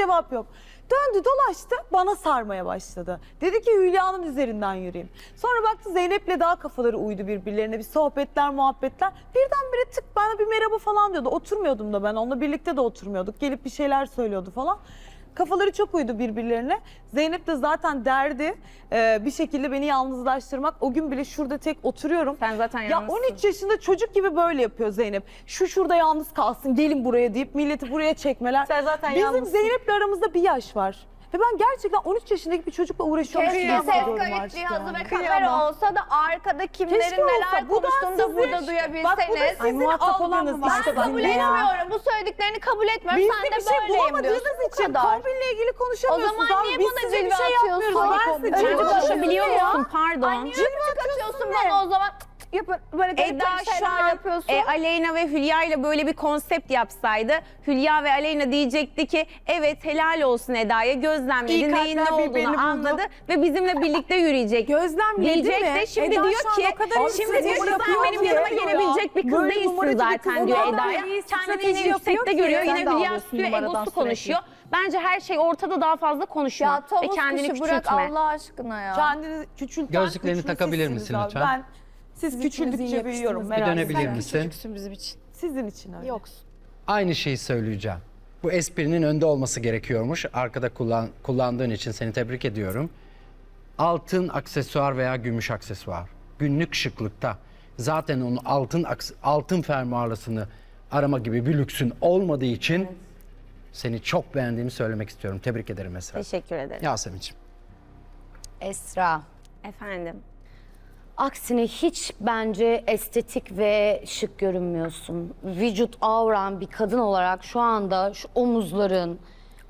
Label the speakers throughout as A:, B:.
A: cevap yok. Döndü dolaştı bana sarmaya başladı. Dedi ki Hülya'nın üzerinden yürüyeyim. Sonra baktı Zeynep'le daha kafaları uydu birbirlerine. Bir sohbetler muhabbetler. Birdenbire tık bana bir merhaba falan diyordu. Oturmuyordum da ben onunla birlikte de oturmuyorduk. Gelip bir şeyler söylüyordu falan. Kafaları çok uydu birbirlerine. Zeynep de zaten derdi bir şekilde beni yalnızlaştırmak. O gün bile şurada tek oturuyorum.
B: Sen zaten
A: Ya
B: yalnızsın.
A: 13 yaşında çocuk gibi böyle yapıyor Zeynep. Şurada yalnız kalsın gelin buraya deyip milleti buraya çekmeler.
B: Sen zaten
A: Bizim
B: yalnızsın.
A: Zeynep'le aramızda bir yaş var. Ve ben gerçekten 13 yaşındaki bir çocukla uğraşıyormuş gibi
C: Keşke ses
A: hissediyorum
C: kayıt
A: artık
C: cihazı
A: yani.
C: ve kamera olsa da arkada kimlerin
A: Keşke
C: neler
A: olsa. Bu da
C: konuştuğunu da
A: sizin-
C: burada
A: Bak bu da
C: duyabilseniz.
A: sizin
B: muhatap olan mı
A: algınız
B: var?
A: işte
C: Ben kabul
A: sizinle ya.
C: etmiyorum. Bu söylediklerini kabul etmiyorum.
A: Biz
C: Sen
A: de
C: de
A: bir şey
C: böyleyim
A: bulamadığınız
C: diyorsun. Bu
A: için
C: kadar.
A: kombinle ilgili
C: O
A: konuşamıyorsunuz.
C: zaman
A: abi.
C: niye
A: Biz
C: bana
A: size bir
C: cilve
A: şey yapmıyoruz.
C: atıyorsun?
A: Ben size
C: Cilve
A: cilve
B: Konuşabiliyor
A: atıyorum.
B: musun? Pardon.
C: Niye atıyorsun bana o zaman? Böyle garip
B: Eda şu
C: şeyler
B: an
C: yapıyorsun.
B: Aleyna ve Hülya ile böyle bir konsept yapsaydı Hülya ve Aleyna diyecekti ki evet helal olsun Eda'ya gözlemledi
A: İyi
B: neyin ne
A: kalpler birbirini
B: olduğunu
A: buldu.
B: anladı ve bizimle birlikte yürüyecek.
A: Gözlemledi
B: Diyecek
A: mi?
B: de şimdi
A: Eda
B: diyor
A: şu an
B: ki
A: o kadar
B: şimdi diyor ki sen
A: yapıyor
B: benim
A: ki.
B: yanıma gelebilecek bir kız
A: Böyle
B: değilsin
A: numaracı bir
B: zaten
A: kız
B: diyor
A: o kadar
B: Eda'ya.
A: iyi
B: Kendini
A: strateji
B: yine yüksekte
A: yapıyor ki.
B: görüyor
A: Sen
B: yine
A: de
B: Hülya
A: alıyorsun
B: üstüne
A: numaradan
B: egosu
A: sürekli.
B: konuşuyor. Bence her şey ortada daha fazla konuşma
C: Ya
B: ve
C: tavus
B: kendini
C: kuşu bırak
B: küçültme.
C: Allah aşkına ya.
A: Kendini küçülten
D: Gözlüklerini
A: güçlü
D: takabilir
A: sizsiniz
D: misin
A: abi.
D: lütfen?
A: Ben siz küçüldükçe büyüyorum.
D: Bir
A: merak
D: dönebilir
A: etmeyin.
D: misin?
E: Küçüksün bizim için.
A: Sizin için öyle.
E: Yoksun.
D: Aynı şeyi söyleyeceğim. Bu esprinin önde olması gerekiyormuş. Arkada kullandığın için seni tebrik ediyorum. Altın aksesuar veya gümüş aksesuar. Günlük şıklıkta. Zaten onun altın fermuarlısını arama gibi bir lüksün olmadığı için seni çok beğendiğimi söylemek istiyorum. Tebrik ederim Esra.
B: Teşekkür ederim.
D: Yasemin'ciğim.
F: Esra.
B: Efendim.
F: Aksine hiç bence estetik ve şık görünmüyorsun. Vücut avran bir kadın olarak şu anda şu omuzların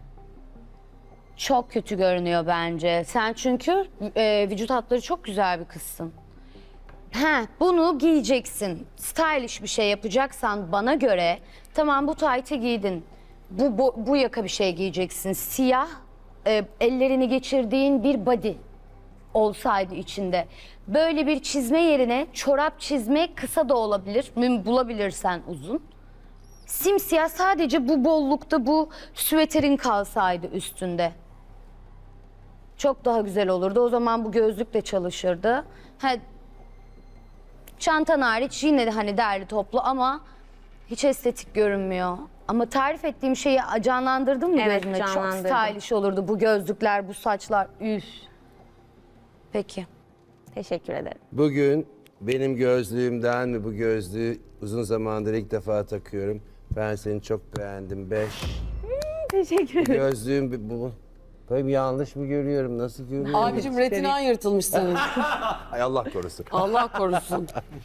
F: çok kötü görünüyor bence. Sen çünkü vücut hatları çok güzel bir kızsın. Bunu giyeceksin. Stylish bir şey yapacaksan bana göre tamam bu taytı giydin. Bu yaka bir şey giyeceksin. Siyah ellerini geçirdiğin bir body olsaydı içinde. Böyle bir çizme yerine çorap çizme kısa da olabilir. Bulabilirsen uzun. Simsiyah sadece bu bollukta bu süveterin kalsaydı üstünde. Çok daha güzel olurdu. O zaman bu gözlük de çalışırdı. Çantan hariç yine de hani derli toplu ama hiç estetik görünmüyor. Ama tarif ettiğim şeyi canlandırdın mı
B: Evet,
F: gözüne? Çok
B: canlandırdım.
F: stylish olurdu bu gözlükler, bu saçlar. Üf. Peki.
B: Teşekkür ederim.
G: Bugün benim gözlüğümden ve bu gözlüğü uzun zamandır ilk defa takıyorum. Ben seni çok beğendim. 5.
B: Teşekkür ederim.
G: Gözlüğüm bu. Böyle yanlış mı görüyorum? Nasıl görüyorum?
E: Abicim retinan yırtılmış senin.
G: Ay Allah korusun.
E: Allah korusun.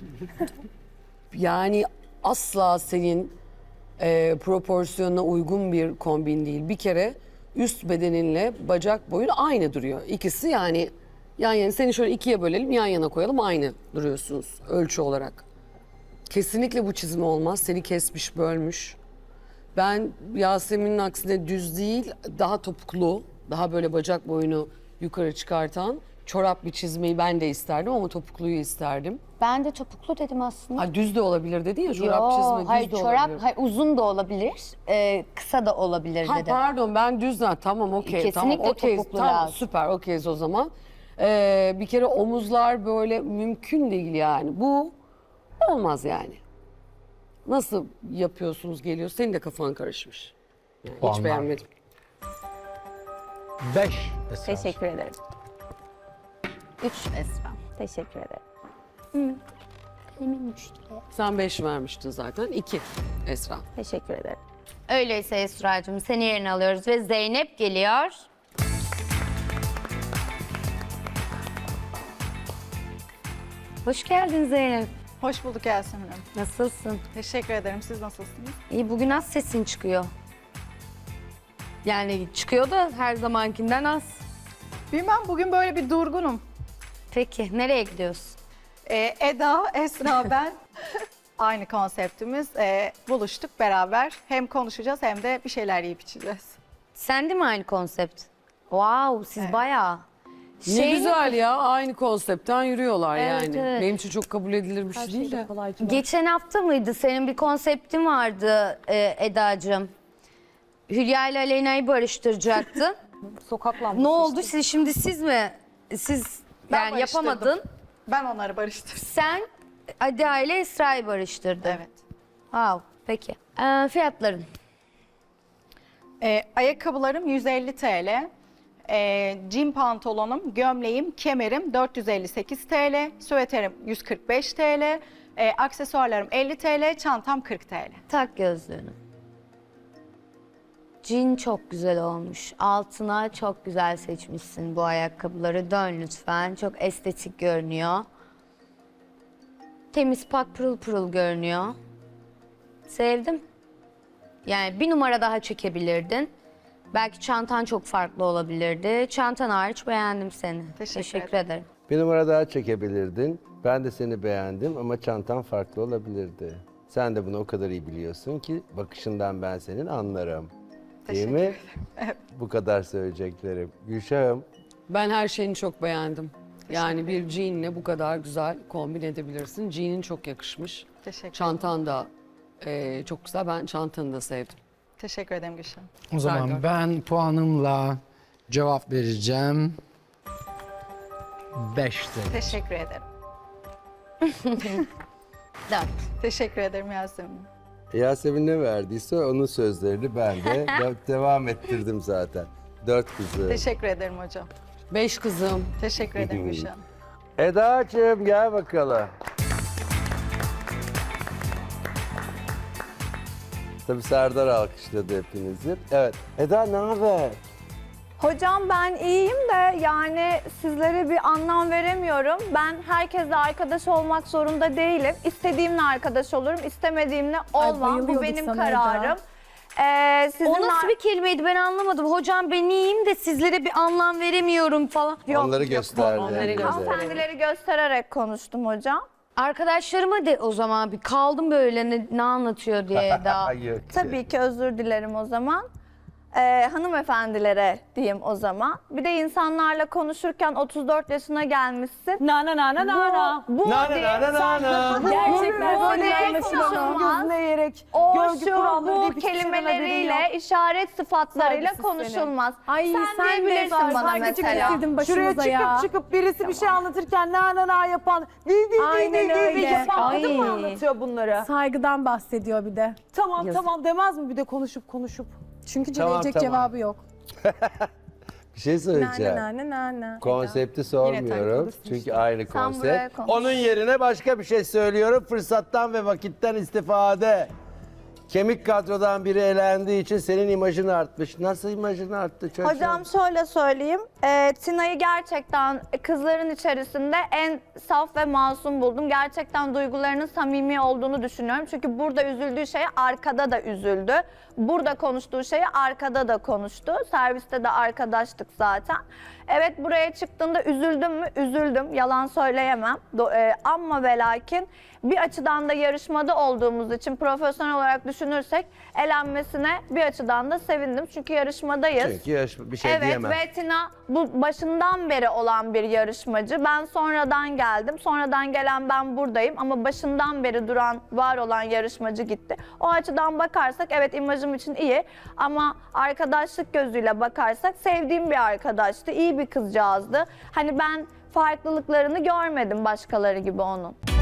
E: Yani asla senin proporsiyonuna uygun bir kombin değil. Bir kere üst bedeninle bacak boyun aynı duruyor. İkisi yani yan yana, seni şöyle ikiye bölelim yan yana koyalım aynı duruyorsunuz ölçü olarak. Kesinlikle bu çizim olmaz. Seni kesmiş bölmüş. Ben Yasemin'in aksine düz değil daha topuklu, daha böyle bacak boyunu yukarı çıkartan çorap bir çizmeyi ben de isterdim ama topukluyu isterdim.
F: Ben de topuklu dedim aslında.
E: Ha, düz de olabilir dedi ya çorap çizme düz
F: hayır
E: de
F: çorap
E: olabilir.
F: uzun da olabilir, kısa da olabilir
E: Ha,
F: dedim.
E: pardon ben düz tamam okey tamam
F: Kesinlikle
E: okey
F: topuklu
E: tamam
F: lazım.
E: süper okeyiz o zaman. Bir kere omuzlar böyle mümkün değil yani bu olmaz yani. Nasıl yapıyorsunuz geliyor senin de kafan karışmış. Yani hiç
D: Puanlar.
E: beğenmedim.
D: 5 Esra.
B: Teşekkür ederim.
F: 3 Esra.
B: Teşekkür ederim.
E: Sen 5 vermiştin zaten 2 Esra.
B: Teşekkür ederim.
F: Öyleyse Esra'cığım seni yerine alıyoruz ve Zeynep geliyor. Hoş geldin Zeynep.
H: Hoş bulduk Yasemin Hanım.
F: Nasılsın?
H: Teşekkür ederim. Siz nasılsınız?
F: İyi bugün az sesin çıkıyor. Yani çıkıyor da her zamankinden az.
H: Bilmem bugün böyle bir durgunum.
F: Peki nereye gidiyorsun?
H: Eda, Esra, ben aynı konseptimiz. Buluştuk beraber. Hem konuşacağız hem de bir şeyler yiyip içeceğiz.
F: Sen de mi aynı konsept? Wow siz
H: Evet.
F: bayağı.
E: Ne
F: Şey mi-
E: güzel ya aynı konseptten yürüyorlar
F: Evet,
E: yani.
F: evet.
E: Benim için çok kabul edilir bir şey değil de.
A: Kolaycığım.
F: Geçen hafta mıydı? Senin bir konseptin vardı Eda'cığım. Hülya ile Aleyna'yı barıştıracaktın.
A: Sokak lambası.
F: Ne oldu? Siz mi?
H: Ben
F: Yani
H: barıştırdım.
F: yapamadın.
H: Ben onları barıştırdım.
F: Sen Ada ile Esra'yı barıştırdın.
H: Evet.
F: Wow. Peki. Fiyatların.
H: Ayakkabılarım 150 TL. Jean pantolonum, gömleğim, kemerim 458 TL. Süveterim 145 TL. Aksesuarlarım 50 TL. Çantam 40 TL.
F: Tak gözlüğünü. Jean çok güzel olmuş. Altına çok güzel seçmişsin bu ayakkabıları. Dön lütfen. Çok estetik görünüyor. Temiz, pak, pırıl pırıl görünüyor. Sevdim. Yani bir numara daha çekebilirdin. Belki çantan çok farklı olabilirdi. Çantan hariç beğendim seni.
H: Teşekkür
F: ederim.
G: Bir numara daha çekebilirdin. Ben de seni beğendim ama çantan farklı olabilirdi. Sen de bunu o kadar iyi biliyorsun ki bakışından ben senin anlarım. Değil mi? Bu kadar söyleyeceklerim. Gülşah'ım,
E: Ben her şeyini çok beğendim. Yani bir jeanle bu kadar güzel kombin edebilirsin. Jean'in çok yakışmış.
H: Teşekkür
E: Çantan da çok güzel. Ben çantanı da sevdim.
H: Teşekkür ederim Gülşen.
D: O zaman
E: Serdar.
D: ben puanımla cevap vereceğim. 5 TL.
H: Teşekkür ederim.
F: 4.
H: Teşekkür ederim Yasemin.
G: Yasemin ne verdiyse onun sözlerini ben de devam ettirdim zaten. 4 kızı.
H: Teşekkür ederim hocam.
E: 5 kızım.
H: Teşekkür ederim Gülşen.
G: Eda'cığım gel bakalım. Tabii Serdar alkışladı hepinizi. Evet. Eda ne haber?
C: Hocam ben iyiyim de yani sizlere bir anlam veremiyorum. Ben herkesle arkadaş olmak zorunda değilim. İstediğimle arkadaş olurum, istemediğimle olmam. Bu benim kararım.
F: O nasıl bir kelimeydi ben anlamadım. Hocam ben iyiyim de sizlere bir anlam veremiyorum falan.
G: Onları gösterdi.
C: Hanımefendileri göstererek konuştum hocam.
F: Arkadaşlarıma de o zaman bir kaldım böyle ne anlatıyor diye daha.
G: Hayır.
C: Tabii ki özür dilerim o zaman. Hanımefendilere diyeyim o zaman. Bir de insanlarla konuşurken 34 yaşına gelmişsin.
A: Na na na na na na.
C: Bu
G: Na na na na na.
A: Gerçekten
C: Bu
A: böyle
C: ne
A: konuşulmaz.
C: konuşulmaz.
A: Gözüne eğerek,
C: O
A: görgü
C: şu
A: kuralları
C: bu
A: deyip hiçbir şeyden haberi
C: kelimeleriyle,
A: yok.
C: işaret sıfatlarıyla
A: Saygısız
C: konuşulmaz.
I: Ay
C: sen
I: sen
C: diyebilirsin
I: de
C: bana
I: saygıcı
C: mesela.
I: getirdin
A: Şuraya
I: başımıza ya.
A: çıkıp birisi bir şey anlatırken na na na yapan, di
I: Aynen öyle.
A: yapan
I: Ay.
A: kadın mı anlatıyor bunları?
I: Saygıdan bahsediyor bir de.
A: Tamam demez mi bir de konuşup?
I: Çünkü
G: Tamam,
I: verecek
G: tamam.
I: cevabı yok.
G: Bir şey söyleyeceğim.
I: Na.
G: Konsepti sormuyorum çünkü aynı
C: Sen buraya
G: konsept.
C: konuş.
G: Onun yerine başka bir şey söylüyorum. Fırsattan ve vakitten istifade. Kemik kadrodan biri elendiği için senin imajın artmış. Nasıl imajın arttı çocuğum?
C: Hocam şöyle söyleyeyim. Tina'yı gerçekten kızların içerisinde en saf ve masum buldum. Gerçekten duygularının samimi olduğunu düşünüyorum. Çünkü burada üzüldüğü şeye arkada da üzüldü. Burada konuştuğu şeye arkada da konuştu. Serviste de arkadaştık zaten. Evet buraya çıktığında üzüldüm mü? Üzüldüm. Yalan söyleyemem. Ama ve lakin bir açıdan da yarışmada olduğumuz için profesyonel olarak düşünürsek elenmesine bir açıdan da sevindim. Çünkü yarışmadayız.
G: Çünkü bir şey
C: Evet
G: diyemem.
C: ve Tina bu başından beri olan bir yarışmacı. Ben sonradan geldim. Sonradan gelen ben buradayım ama başından beri duran, var olan yarışmacı gitti. O açıdan bakarsak evet imajım için iyi ama arkadaşlık gözüyle bakarsak sevdiğim bir arkadaştı. İyi bir kızcağızdı. Hani ben farklılıklarını görmedim başkaları gibi onun.